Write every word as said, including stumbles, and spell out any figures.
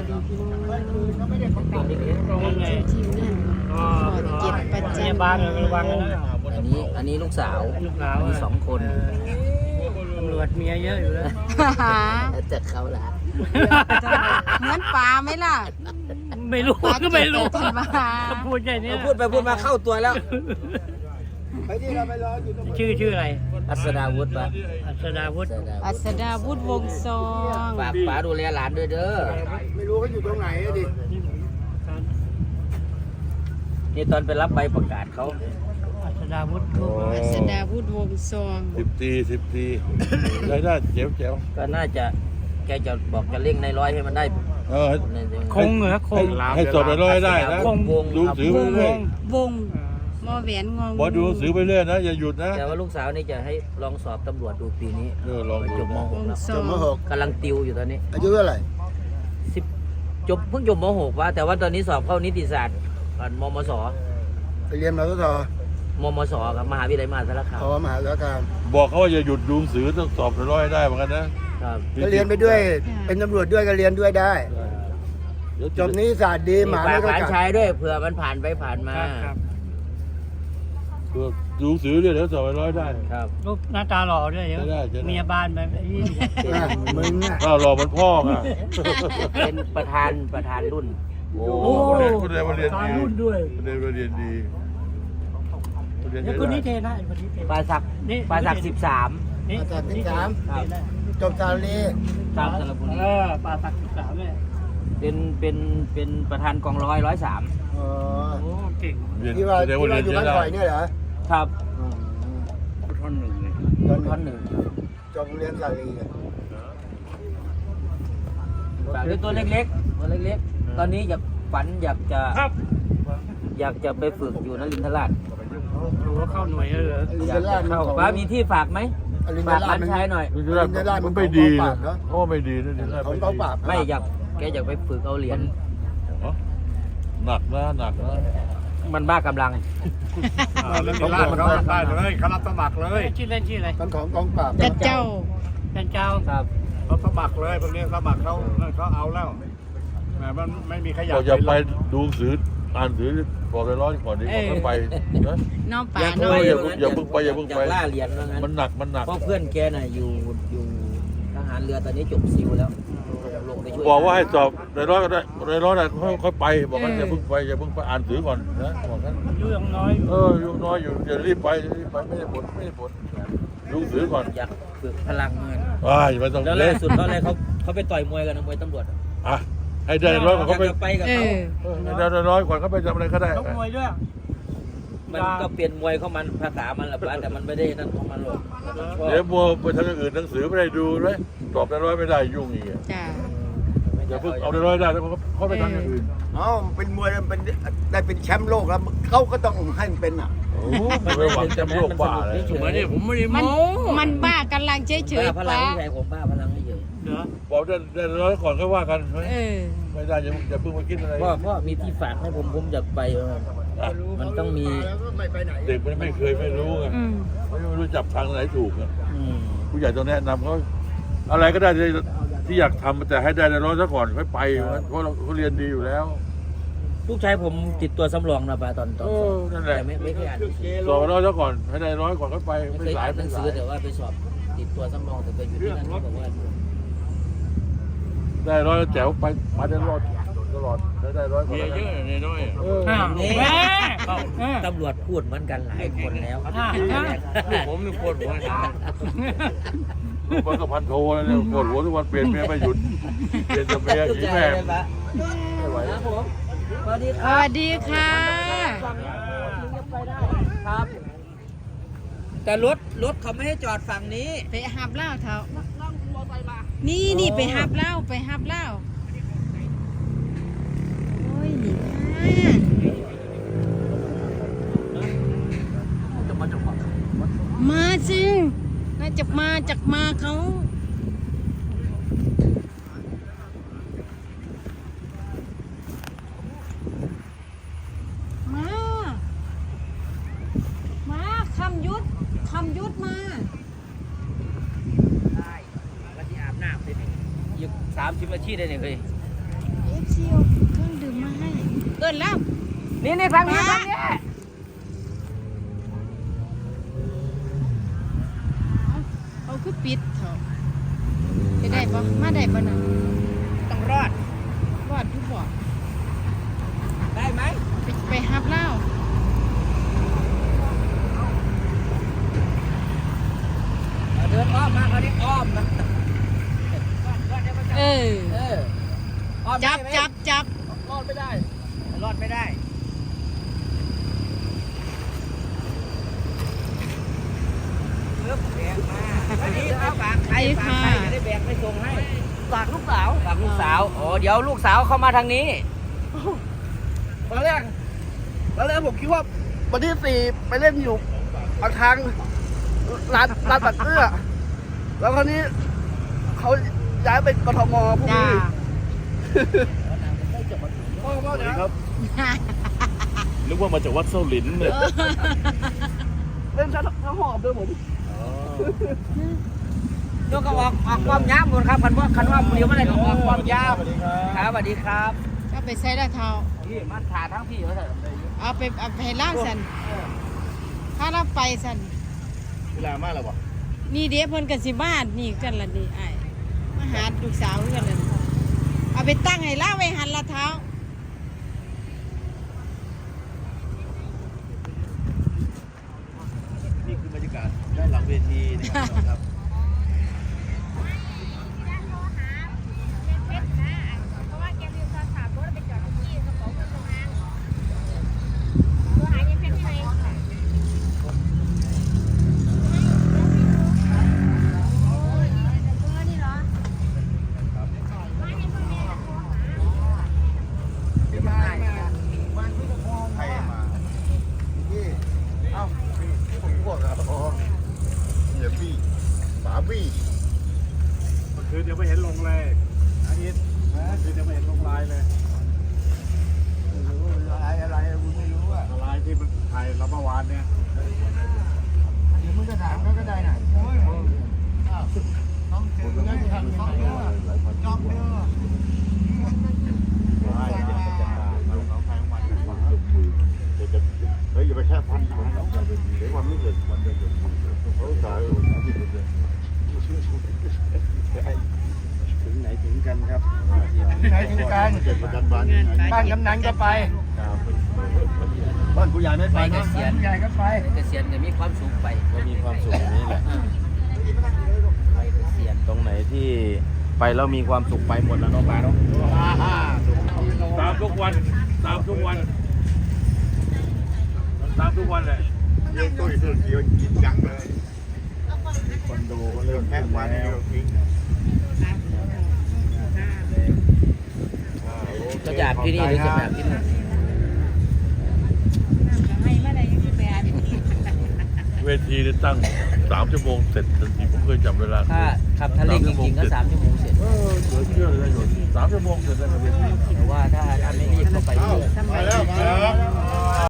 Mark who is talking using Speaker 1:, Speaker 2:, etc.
Speaker 1: ดีพี่น้องทีมงานขอเก็บประจำ
Speaker 2: บ้านระวังนะ
Speaker 3: อันนี้อันนี้ลูกสาว
Speaker 2: ลูกสาว
Speaker 3: มีสองคน
Speaker 2: ตำรวจเมียเยอะอยู่แล้ว
Speaker 3: แต่เขาละ
Speaker 1: เหมือนปลาไหมล่ะ
Speaker 2: ไม่รู้ก็ไม่รู้
Speaker 1: ปลาเก็บมา
Speaker 2: พูดแค่นี้
Speaker 3: พูดไปพูดมาเข้าตัวแล้ว
Speaker 2: ชื่อชื่ออะไร
Speaker 3: อัศดาวุฒิปะ
Speaker 2: อัศดาวุฒิ
Speaker 1: อัศดาวุฒิวงศ์ซอง
Speaker 3: ฝากป๋าดูแลหลานด้วยเด้อ
Speaker 4: ไม่รู้เขาอยู่ตรงไหนอะดิ
Speaker 3: นี่ตอนไปรับใบประกาศเขา
Speaker 2: อัศดาวุฒิ
Speaker 1: อัศดาวุฒิวงศ์ซอง
Speaker 4: สิบตีสิบตีรายได้เจ๋วเจ๋ว
Speaker 3: ก็น่าจะแกจะบอกจะเร่งในร้อยให้มันได้
Speaker 4: เออ
Speaker 2: คงเหรอคง
Speaker 4: ให้สอบไปร้อยได้นะ
Speaker 3: คงวง
Speaker 4: ดูสือไปเรื่อยว
Speaker 1: งมอแหวนงง
Speaker 4: บอดูสือไปเรื่อยนะอย่าหยุดนะ
Speaker 3: แต่ว่าลูกสาวนี่จะให้ลองสอบตำรวจดูปีนี้
Speaker 4: เออลอง
Speaker 3: จบม
Speaker 1: ว
Speaker 3: หก
Speaker 1: ง
Speaker 3: แล้ว
Speaker 1: ซอง
Speaker 3: กำลังติวอยู่ตอนนี้
Speaker 4: อายุเท่าไหร่
Speaker 3: สิบจบเพิ่งจบมหกว่าแต่ว่าตอนนี้สอบเข้านิติศาสตร์ก่อนมมส
Speaker 4: ไปเรียนมาก็ต่อ
Speaker 3: มมสกับมหาวิทยาลัยมหาสารคาม
Speaker 4: พอมหาสารคามบอกเขาว่าอย่าหยุดดูสือต้องสอบไปร้อยได้เหมือนกันนะครับ
Speaker 5: ก็เรียนไปด้วย เป็นตำรวจด้วยก็เรียนด้วยได้ จบนี้ศาสตร์ดีหมา
Speaker 3: ฝา
Speaker 5: ไม่
Speaker 3: ก
Speaker 5: ก็
Speaker 3: หลาน
Speaker 5: กัด
Speaker 3: ชายด้วยเผื่อมันผ่านไปผ่านมา
Speaker 2: ครับ
Speaker 4: ดูสือเรื่อยเดี๋ยวสอบไปร้อยได้
Speaker 3: ครับ
Speaker 2: ลูกหน้าตาหล่อด้วยเดี๋ยว
Speaker 4: จะได้จะได้
Speaker 2: เมียบ้านไปยี่
Speaker 5: อ่ะมึงอ่ะ
Speaker 4: ถ้ารอมันพ่ออ่ะ
Speaker 3: เป็นประธานประธานรุ่น
Speaker 4: โอ้คนเรียนคนเรียนมาเรียน
Speaker 2: ตา
Speaker 4: ดี
Speaker 2: รุ่นด้วย
Speaker 4: คนเรียนมาเรียนดีคนเรียน
Speaker 2: เดี๋ยว
Speaker 4: ใช้
Speaker 2: คนนี้
Speaker 4: ได้
Speaker 2: เทนะคนนี้เท
Speaker 3: ปลาสัก
Speaker 2: นี่
Speaker 3: ปลาสักสิบสาม
Speaker 2: นี่
Speaker 5: อาจารย์ที่สาม
Speaker 3: ครับ
Speaker 5: จบศาสตร์ดี
Speaker 3: ตามสระบุรี
Speaker 2: เออปลาสักสิบสามเนี่ย
Speaker 3: เป็นเป็นเป็นประธานกองร้อยร้อยสาม
Speaker 5: อ๋อ
Speaker 2: โอ้เก่ง
Speaker 4: เรียน
Speaker 5: ที่ว่า
Speaker 4: แสด
Speaker 5: ที่
Speaker 4: งว่า
Speaker 5: ว่า
Speaker 4: เรียน
Speaker 5: อยู่
Speaker 4: ใช้
Speaker 5: บ้าน
Speaker 4: ได้
Speaker 5: ข่อยเนี่ยเหรอ
Speaker 3: ครับ
Speaker 2: ท่อนหนึ่งเลย
Speaker 5: ตอน
Speaker 3: ท่อนหนึ่ง
Speaker 5: จบโรงเรียนศาสตร์ดีอะ
Speaker 3: ฝากด้วยตัวเล็กๆตัวเล็กๆ ตอนนี้อยากฝันอยากจะ
Speaker 2: ครับ
Speaker 3: อยากจะไปฝึกอยู่นรินทราช
Speaker 2: ดูว่าเข้าหน่วยแล้วเหรอ
Speaker 5: อลิน
Speaker 3: อยา
Speaker 5: เด
Speaker 3: ก
Speaker 5: ล่า
Speaker 3: จะ
Speaker 5: มัน
Speaker 3: เข้า
Speaker 5: ของ
Speaker 3: ป้ามีที่ฝากไหม
Speaker 5: อลินเด
Speaker 3: ฝาก
Speaker 5: ล่า
Speaker 3: ร้าน
Speaker 5: มัน
Speaker 3: ชายหน่อย
Speaker 4: นรินทราชมันไม่ดีนะเพราะว่าไม่ดีนะนี่
Speaker 5: ของกองปราบ
Speaker 3: ไม่อยากแกอยากไปฝึกเอาเหรียญ
Speaker 4: หนักนะหนักนะ
Speaker 3: มันบ้ากำลัง
Speaker 4: เล่นล่ามันได้เลยเขารับสมัครเลย
Speaker 2: ชื่อเล่นชื่ออะไร
Speaker 5: มันของกองปราบ
Speaker 1: แต่เจ้า
Speaker 2: เป็นเจ้า
Speaker 3: ครับ
Speaker 4: เขาสมัครเลยพวกนี้สมัครเขาเขาเอาแล้วแหมมันไม่มีขยะอย่าไปดูสืออ่านสือบอกเลยร้อนก่อนดีกว่าไปนะ
Speaker 1: น้องป่า
Speaker 3: อยาก
Speaker 1: น้
Speaker 3: ไป
Speaker 1: อง
Speaker 4: อย่าเพิ่งอย่าเพิ่งไปอย่าเพิ่งไป
Speaker 3: ล่าเหรียญว่างั้น
Speaker 4: มันหนักมันหนัก
Speaker 3: เพราะเพื่อนแกน่ะอยู่อยู่ทหารเรือตอนนี้จบซิลแล้วลงไปช่วย
Speaker 4: บอกว่าให้สอบในร้อยก็ได้ในร้อยได้ค่อยไปบอกกันอย่าเพิ่งไปอย่าเพิ่งไปอ่านสือก่อนนะบอกกัน
Speaker 2: อายุยังน้อย
Speaker 4: เอออยู่น้อยอยู่อย่ารีบไปรีบไปไม่ได้ผลไม่ได้ผลดูสือก่อน
Speaker 3: อยากฝึกพลังเงิน
Speaker 4: อ่าอย่าไปต้อง
Speaker 3: แล้ว
Speaker 4: เล่
Speaker 3: ล่าน สุดเขาอะไรเขาเขาไปต่อยมวยกันนะมวยตำรวจ
Speaker 4: อ่ะให้ได้ร้อยก่อน
Speaker 3: อยา
Speaker 4: เขา
Speaker 3: ก
Speaker 4: ไป
Speaker 3: จะไปกับ
Speaker 1: เอ
Speaker 3: เขา
Speaker 1: อ
Speaker 4: เออให้ได้ร้อยก่อนเขาไปทำอะไรก็ได้
Speaker 2: ชกมวยด้วย
Speaker 3: มันก็เปลี่ยนมวยเข้ามันภาษามันแหละป้าแต่มันไม่ได้นั่นของมันหรอกชอบ
Speaker 4: เดี๋ยวมัวไปทางอื่นหนังสือไม่ได้ดูเลยตอบได้ร้อยไม่ได้ยุ่งอีกอ่ะ
Speaker 1: จ้า
Speaker 4: อย่าเพิ่งเอาได้ร้อยได้แล้วเขาเขาไปทางอื่น
Speaker 5: เอ้าเป็นมวยเป็นได้เป็นแชมป์โลกแล้วเขาก็ต้องให้มันเป็นอ่ะ
Speaker 4: โอ้ไม่ไปหวังแชมป์โลกบ้าเลย
Speaker 2: มาดิผมไม่ได้
Speaker 1: มัน
Speaker 2: โม้
Speaker 1: มันบ้ากำลังเฉยเฉย
Speaker 3: บ้าพลัง
Speaker 1: ป้า
Speaker 3: ไม่ใช่ผมบ้าพลังไม่เฉย
Speaker 2: เหรอ
Speaker 4: บอกได้ได้ร้อยก่อนก็ว่ากัน
Speaker 1: เออ
Speaker 4: ไม่ได้อย่าอย่าเพิ่งมาคิดอะไร
Speaker 3: พ่อพ่อมีที่ฝากให้ผมผมอยากไปเออมันต้องมี
Speaker 4: เด็กมันไม่เคยไม่รู้ไง
Speaker 1: อืม
Speaker 4: ไม่รู้จับทางไหนถูกอ่ะ
Speaker 3: อืม
Speaker 4: ผู้ใหญ่ต้องแนะนำเขาอะไรก็ได้ที่ที่อยากทำแต่ให้ได้ร้อยซะก่อนค่อยไปเพราะเราเขาเรียนดีอยู่แล้ว
Speaker 3: ลูกชายผมติดตัวสำรองนะป้าตอนตอน
Speaker 4: เออนั่นแหละ
Speaker 3: แต่ไม่ไม่เคยอ่าน
Speaker 4: สอบร้อยซะก่อนให้ได้ร้อยก่อนค่อยไป
Speaker 3: ไม่
Speaker 4: ไม่
Speaker 3: เคย
Speaker 4: สาย
Speaker 3: อ่านห
Speaker 4: ไม่
Speaker 3: นัง
Speaker 4: สา
Speaker 3: สือย แต่ว่าไปสอบติดตัวสำรองแต่ไปอยู่ที่นั่นเขาบอกว่า
Speaker 4: ได้ร้อยแล้วแจ๋วไปมาได้รอดตลอดได้ได้ร้อยก่อน
Speaker 6: เมียเยอะในน้อย
Speaker 4: เออ
Speaker 2: อ้าว
Speaker 3: นี่
Speaker 2: แม่เออ
Speaker 3: ตำรวจพูดเหมือนกันหลายคนแล้ว
Speaker 2: อ่าอ่า
Speaker 6: ลูกผมนี่ปวดหัวนะ
Speaker 4: มันก็พันโทแล้วเนี่ยปวดหัวทุกวันเปลี่ยนเมียไม่หยุดเปลี่ยนจะเมีย
Speaker 3: ลูก
Speaker 4: ขี่
Speaker 3: ชาย
Speaker 4: แม่
Speaker 3: เลยปะ
Speaker 4: ไม่ไหว
Speaker 3: ครับผมสวัสดี
Speaker 1: ส
Speaker 3: ครับ
Speaker 1: วัสดีค่ะ
Speaker 3: ครับ แต่รถรถเขาไม่ให้จอดฝั่งนี้
Speaker 1: ไปหับเหล้าเถอะนี่นี่ไปหับเหล้าไปหับเหล้าโอ้ยนี่มาสิน่าจะมาจากมาเขามา มาคำยุทธคำยุทธมา
Speaker 3: ได้วันที่อาบน้ำได้ไหมอีกสามสิบนาทีได้เนี่ยเลย
Speaker 1: เอ๊ฟซีเอาเครื่องดื่มมาให้เอิ้นแล้ว
Speaker 3: นี่นี่ทางนี้ทางนี้
Speaker 1: เอาคือปิดเถอะจะได้ปะมาได้ปะน่ะ
Speaker 3: ต้องรอด
Speaker 1: รอดทุกบ่
Speaker 3: ได้ไหม
Speaker 1: ไปไปฮับเล่า
Speaker 3: เดินอ้อมมาคราวนี้อ้อมนะ
Speaker 1: เออ
Speaker 3: เอออ้อม
Speaker 1: จับ
Speaker 3: ได้ไหม
Speaker 1: จับจับ
Speaker 3: รอดไม่ได้ รอดไม่ได้เลือกแบกมาอันนี้ไปฝากใครฝากใครจะได้แบกไปส่งให้ฝากลูกสาวฝากลูกสาวอ๋อเดี๋ยวลูกสาวเข้ามาทางนี้
Speaker 7: ตอนแรกตอนแรกผมคิดว่าวันที่สี่ไปเล่นอยู่ปากทางร้านร้านตัดเสื้อแล้วคราวนี้เขาย้ายไปกทมพรุ่ง
Speaker 1: จ้า
Speaker 7: นี้พ่อพ่อ
Speaker 4: สวัส
Speaker 7: เดี๋
Speaker 4: ดี
Speaker 7: ยว
Speaker 4: ครับ นึกว่ามาจากวัดเส้าหลินเนี่ย
Speaker 7: เล่นชั้นชั้นหอบด้วยผม
Speaker 3: ยกก็ออกออกความยาวหมดครับคันว่าคันว่าเดี๋ยวเมื่อไหร่ก็ออกความยาวครับสวัสดีครับ
Speaker 1: ก็ไปใส่ละเท้า
Speaker 3: พี่มาถ่ายทั้งพี่เขาเถอะ
Speaker 1: เอาไปเอาไปให้ล่างสันถ้าเราไปสัน
Speaker 4: เวลามากแล้ววะ
Speaker 1: นี่เดี๋ยวเพิ่นกันสิบ้านนี่กันละนี่ไอ้ายมาหาลูกสาวกันละเอาไปตั้งให้ล่าไว้หันละเท้า
Speaker 4: นี่คือบรรยากาศด้านหลังเวทีนะครับ ใครมาพี่เอ้าผมบอกแล้วอ๋อเดี๋ยวพี่ฝาพี่เมื่อคืนยังไม่เห็นลงเลยอาทิตย์เมื่อคืนยังไม่เห็นลงลายเลยไม่รู้ลายอะไรคุณไม่รู้อะลายที่มันถ่ายเราเมื่อวานเนี่ยเดี๋ยวมึงจะถามเขาก็ได้น่ะโอ้ยน้องเจอได้ทำยังไงจอมเด้อเฮ้ยอย่าไปแค่พันผมเดี๋ยววันนี้เกิดวันเกิดเขาตายถึงไหนถึงกันครับถึงไหนถึงกันเกิดประกันบ้านบ้านกำนันก็ไปบ้านผู้ใหญ่ไม่ไป
Speaker 3: ไปเก
Speaker 4: นะ
Speaker 3: ษียณ
Speaker 7: ใหญ่ก็ไป
Speaker 3: เกษียณเนี่ยมีความสุขไป
Speaker 6: ก็มีความสุขอย่างนี้แหละ
Speaker 3: ไปเกษียณ
Speaker 6: ตรงไหนที่ไปแล้วมีความสุขไปหมดแล้วเนาะป้าเนาะ
Speaker 4: ตามทุกวันตามทุกวันตามทุกวันเลยเยี่ยมตุ้ยตุ้ยเกี่ยวกินจังเลยคอนโดก็เริ่มแค่วันเดียวทิ้ง
Speaker 3: ก็อยากที่นี่หรือจะแบบที่นู่น
Speaker 4: เวทีเนี่ยตั้งสามชั่วโมงเสร็จทันทีผมเคยจับเวลา
Speaker 3: ถ้าขับทะเลจริงๆก็สามชั่วโมงเสร็จ
Speaker 4: เออเหลือเชื่อเลยนะโยนสามชั่วโมงเสร็จแล้วเวที
Speaker 3: แต่ว่าถ้าถ้าไม่รีบก็ไปเรื่อย
Speaker 4: ไปแล้วครับ